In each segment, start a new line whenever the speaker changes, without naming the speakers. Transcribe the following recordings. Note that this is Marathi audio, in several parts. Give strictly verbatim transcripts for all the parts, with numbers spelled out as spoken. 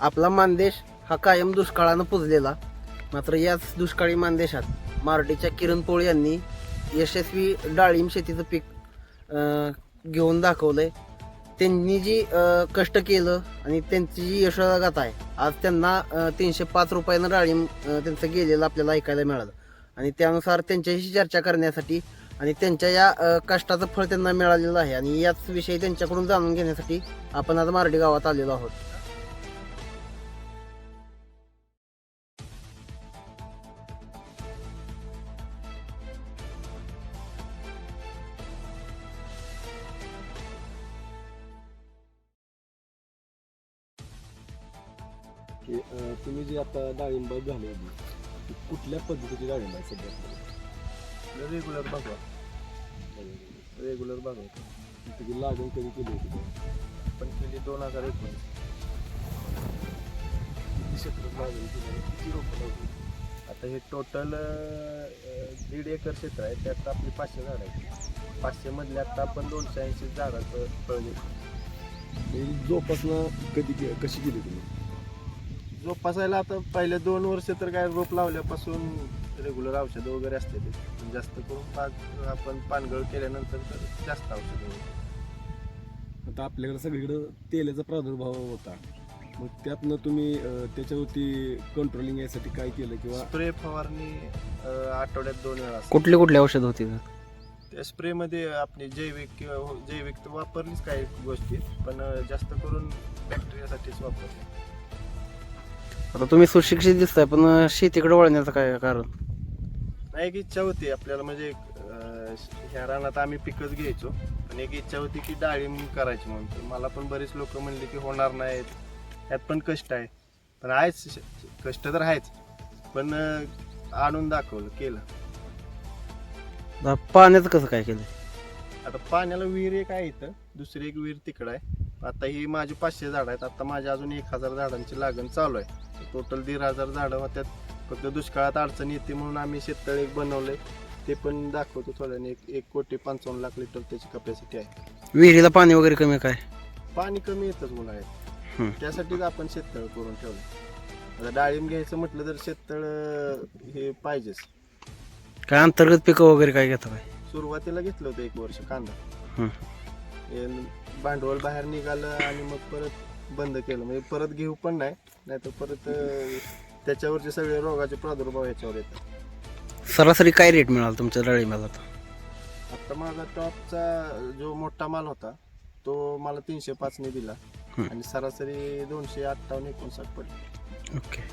आपला मानदेश हा कायम दुष्काळानं पुजलेला, मात्र याच दुष्काळी मानदेशात मारडीच्या किरण पोळ यांनी यशस्वी डाळिंब शेतीचं पीक अं, घेऊन दाखवलंय. त्यांनी जी अं, कष्ट केलं आणि त्यांची जी यशोगाथा आहे, आज त्यांना अं, तीनशे पाच रुपयानं डाळिंब अं, त्यांचं गेलेलं आपल्याला ऐकायला मिळालं. आणि त्यानुसार त्यांच्याशी चर्चा करण्यासाठी आणि त्यांच्या या अं, कष्टाचं फळ त्यांना मिळालेलं आहे आणि याच विषयी त्यांच्याकडून जाणून घेण्यासाठी आपण आज मारडी गावात आलेलो आहोत.
की अं, तुम्ही जी आता डाळिंब घालवली ती कुठल्या पद्धतीची डाळिंब आहे सध्या?
रेग्युलर बघा रेग्युलर बघा
त्याची लागण कधी केली होती का?
पण केली दोन हजार एकोणीस.
किती क्षेत्रात लागण केली आणि किती रोपं लावली?
आता हे टोटल दीड एकर क्षेत्र आहे, त्यात आपली पाचशे झाड आहेत. पाचशे मधले आता आपण दोनशे ऐंशी झाडाचं फळ घेतो.
ही जोपासना कधी के कशी केली तुम्ही?
जोपासायला आता पहिले दोन वर्ष तर काय रोप लावल्यापासून रेग्युलर औषधं वगैरे असते ते, पण जास्त करून बाग आपण पानगळ केल्यानंतर तर जास्त औषधं वगैरे.
आता आपल्याकडे सगळीकडं तेलाचा प्रादुर्भाव होता, मग त्यातनं तुम्ही अं, त्याच्यावरती कंट्रोलिंग यासाठी काय केलं किंवा
स्प्रे फवारणी अं, आठवड्यात दोन वेळा असते.
कुठली कुठली औषध होती?
त्या स्प्रेमध्ये आपली जैविक किंवा हो- जैविक तर वापरलीच काही गोष्टी, पण अं, जास्त करून बॅक्टेरियासाठीच वापरली.
आता तुम्ही सुशिक्षित दिसताय, पण अं, शेतीकडे वळण्याचं काय कारण?
नाही, एक इच्छा होती आपल्याला, म्हणजे अं, ह्या रानात आम्ही पिकच घ्यायचो, पण एक इच्छा होती की डाळिंब करायची म्हणून. तर मला पण बरेच लोक म्हणले की होणार नाहीत, त्यात पण कष्ट आहे. पण आहेच, श- कष्ट तर आहेच, पण अं, आणून दाखवलं, केलं.
आता पाण्याचं कसं काय केलं?
आता पाण्याला विहीर एक आहे इथं, दुसरी एक विहीर तिकडं आहे. आता ही माझी पाचशे झाडं आहेत, आता माझी अजून एक हजार झाडांची लागण चालू आहे. टोटल दीड हजार झाडं होत्यात. फक्त दुष्काळात अडचण येते म्हणून आम्ही शेततळ एक बनवलंय, ते पण दाखवतो थोड्याने. एक एक कोटी पंचावन्न लाख लिटर त्याची कपॅसिटी आहे.
विहिरीला पाणी वगैरे कमी काय?
पाणी कमी येतच उन्हाळ्यात,
हम्म.
त्यासाठीच आपण शेततळ करून ठेवलं. आता डाळिंब घ्यायचं म्हटलं तर शेततळ हे पाहिजेच.
काय अंतर्गत पिकं वगैरे काय घेता काय?
सुरुवातीला घेतलं होतं एक वर्ष कांदा,
हम्म.
हे भांडवल बाहेर निघालं आणि मग परत बंद केलं. म्हणजे परत घेऊ पण नाही, नाहीतर परत अं, त्याच्यावरचे सगळे रोगाचे प्रादुर्भाव ह्याच्यावर येतात.
सरासरी काय रेट मिळाला तुमच्या डाळिंबाला आता?
आता माझा टॉपचा जो मोठा माल होता तो मला तीनशे पाचने दिला
हम्म.
आणि सरासरी दोनशे अठ्ठावन्न एकोणसाठ पडली.
ओके.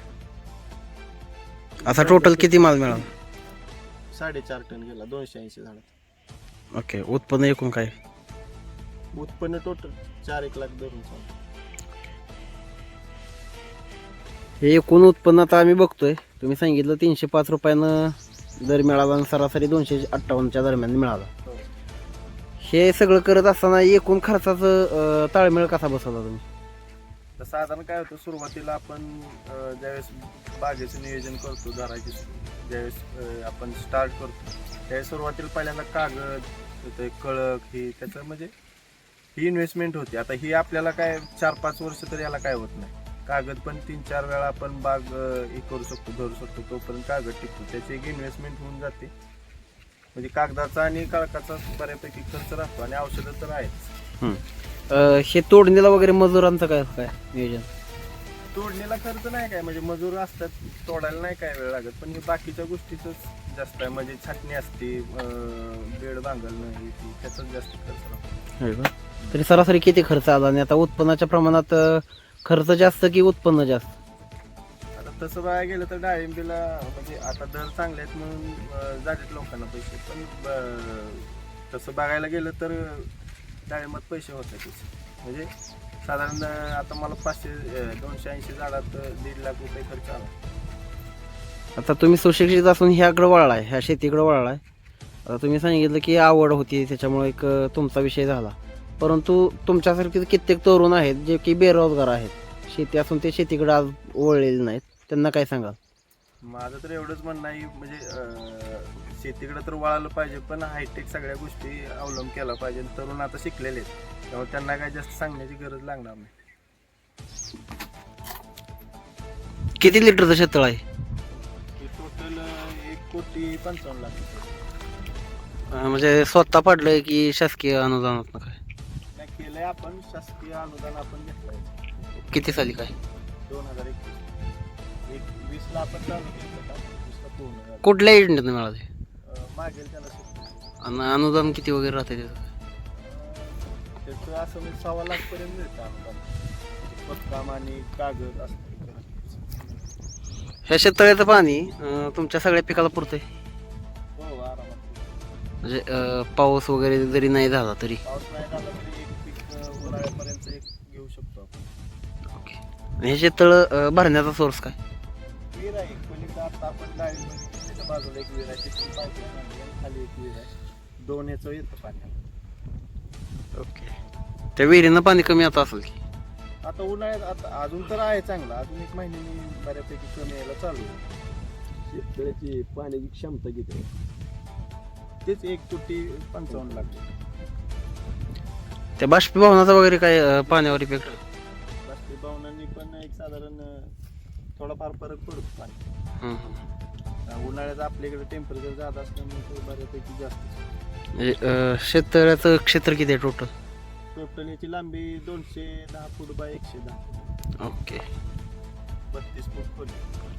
आता टोटल किती माल मिळाला?
साडेचार टन गेला दोनशे ऐंशी झाडात.
ओके. उत्पन्न एकूण काय?
उत्पन्न टोटल चार एक लाख धरून चालू.
हे एकूण उत्पन्न आता आम्ही बघतोय, तुम्ही सांगितलं तीनशे पाच रुपयानं दर मिळाला आणि सरासरी दोनशे अठ्ठावन्नच्या दरम्यान मिळाला. हे सगळं करत असताना एकूण खर्चाचं अं, ताळमेळ कसा बसवला तुम्ही?
तर साधारण काय होतं, सुरुवातीला आपण अं, ज्यावेळेस बागेचं नियोजन करतो, घराची ज्यावेळेस अं, आपण स्टार्ट करतो त्यावेळेस सुरुवातीला पहिल्यांदा कागद, ते कळक, ही त्याचं म्हणजे ही इन्व्हेस्टमेंट होती. आता ही आपल्याला काय चार पाच वर्ष तर याला काय होत नाही. कागद पण तीन चार वेळा आपण बाग अं, हे करू शकतो, धरू शकतो, तोपर्यंत कागद टिकतो. त्याची एक इन्व्हेस्टमेंट होऊन जाते. म्हणजे कागदाचा आणि कळकाचा बऱ्यापैकी खर्च राहतो आणि औषधं तर आहेच.
अं, हे तोडणीला वगैरे मजुरांचं काय काय नियोजन?
तोडणीला खर्च नाही काय, म्हणजे मजूर असतात, तोडायला नाही काय वेळ लागत, पण हे बाकीच्या गोष्टीच जास्त आहे. म्हणजे छाटणी असते, अं, बेड बांधणं, हे ते, त्याचाच जास्त खर्च राहतो.
होय का? तरी सरासरी किती खर्च आला आणि आता उत्पन्नाच्या प्रमाणात अं, खर्च जास्त की उत्पन्न जास्त?
आता तसं बघायला गेलं तर डाळिंबीला म्हणजे आता दर चांगले आहेत म्हणून अं, जातात लोकांना पैसे, पण ब- तसं बघायला गेलं तर डाळिंबात पैसे होतातच. म्हणजे साधारण अं, आता मला पाचशे अं, दोनशे ऐंशी झाडात अं, दीड लाख रुपये खर्च आला.
आता तुम्ही सुशिक्षित असून ह्याकडे वळलाय, ह्या शेतीकडे वळलाय. आता तुम्ही सांगितलं की आवड होती त्याच्यामुळे एक अं, तुमचा विषय झाला, परंतु तुमच्यासारखे कित्येक तरुण आहेत जे की बेरोजगार आहेत, शेती असून ते शेतीकडे आज वळलेले नाहीत, त्यांना काय सांगाल?
माझं तर एवढंच म्हणणं आहे, म्हणजे अं, शेतीकडे तर वळालं पाहिजे, पण हायटेक सगळ्या गोष्टी अवलंब केला पाहिजे. तरुण आता शिकलेले आहेत, त्यामुळे त्यांना काय जास्त सांगण्याची गरज लागणार नाही.
किती लिटरचं शेततळ आहे?
हे टोटल एक कोटी पंचावन्न लाख रुपये.
अं, म्हणजे स्वतः पडलंय की शासकीय अनुदानात काय?
नाही केलंय आपण, शासकीय अनुदान आपण घेतलंय
किती साली काय?
दोन हजार एकवीस एक वीसला आपण चालू केलं का वीसला पूर्ण झालं.
कुठल्या योजनेत मिळाले?
अं, मागेल त्याला शेतकरी.
आणि अनुदान किती वगैरे राहते त्याचं?
त्याचं असं म्हणजे सव्वा लाखपर्यंत मिळतं अनुदान. पत्काम आणि कागद असं.
ह्या शेततळ्याचं पाणी अं, तुमच्या सगळ्या पिकाला पुरतंय?
हो आरामात.
म्हणजे अं, पाऊस वगैरे जरी नाही झाला तरी?
पाऊस नाही झाला तरी एक पीक अं, उन्हाळ्यापर्यंत एक घेऊ शकतो आपण.
ओके. आणि हे शेततळ अं, भरण्याचा सोर्स काय?
विहीर आहे पलीकडे आता आपण डाळिंब त्याच्या बाजूला एक विहीर आहे, तिथून पाईपलाईन आणली आणि खाली एक विहीर आहे. दोन ह्याचं येतं पाणी.
ओके. त्या विहिरीनं पाणी कमी आता असेल की?
आता उन्हाळ्यात आता अजून तर आहे चांगला, अजून एक महिन्यानी बऱ्यापैकी कमी यायला चालू आहे.
शेतकऱ्याची पाण्याची क्षमता किती आहे?
तेच एक कोटी पंचावन्न लाख.
त्या बाष्पीभवनाचा वगैरे काय अं, पाण्यावर इफेक्ट?
बाष्पीभवनांनी पण एक साधारण अं, थोडाफार फरक पडतो पाणी.
हं, हं.
अं, उन्हाळ्यात आपल्याकडे टेम्परेचर जात असल्यामुळे ते बऱ्यापैकी जास्त.
म्हणजे अं, शेततळ्याचं क्षेत्र किती आहे टोटल?
टोटल याची लांबी दोनशे दहा फूट बाय एकशे दहा,
ओके.
बत्तीस फूट खोली.